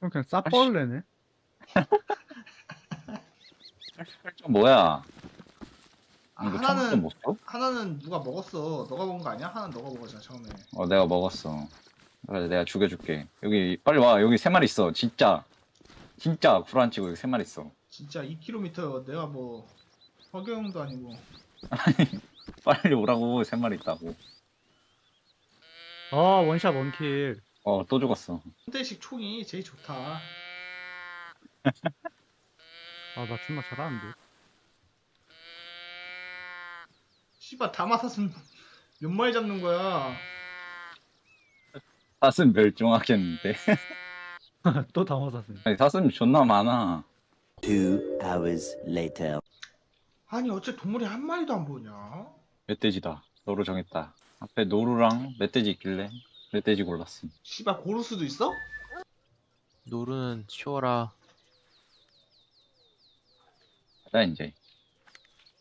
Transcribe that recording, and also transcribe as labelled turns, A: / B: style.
A: 그럼 그냥 싸벌레네.
B: 좀 뭐야?
C: 아,
B: 이거 청소 못 써?
C: 하나는 누가 먹었어. 너가 먹은 거 아니야? 하나는 너가 먹었잖아 처음에.
B: 내가 먹었어. 그래, 내가 죽여줄게. 여기 빨리 와. 여기 세 마리 있어. 진짜 구라 안 치고 여기 세 마리 있어.
C: 진짜 2km 내가 뭐 허경영도 아니고.
B: 빨리 오라고. 세 마리 있다고.
A: 아, 원샷 원킬.
B: 또 죽었어.
C: 현대식 총이 제일 좋다.
A: 아, 나 존나 잘하는데.
C: 씨발 다 맞았으면 몇 마리 잡는 거야.
B: 사슴 멸종하겠는데.
A: 또 당황했네.
B: 아니, 사슴 존나 많아.
D: 2 hours later.
C: 아니 어째 동물이 한 마리도 안 보냐?
B: 멧돼지다. 너로 정했다. 앞에 노루랑 멧돼지 있길래 멧돼지 골랐음.
C: 씨발 고루스도 있어?
E: 노루는 치워라.
B: 가자 이제.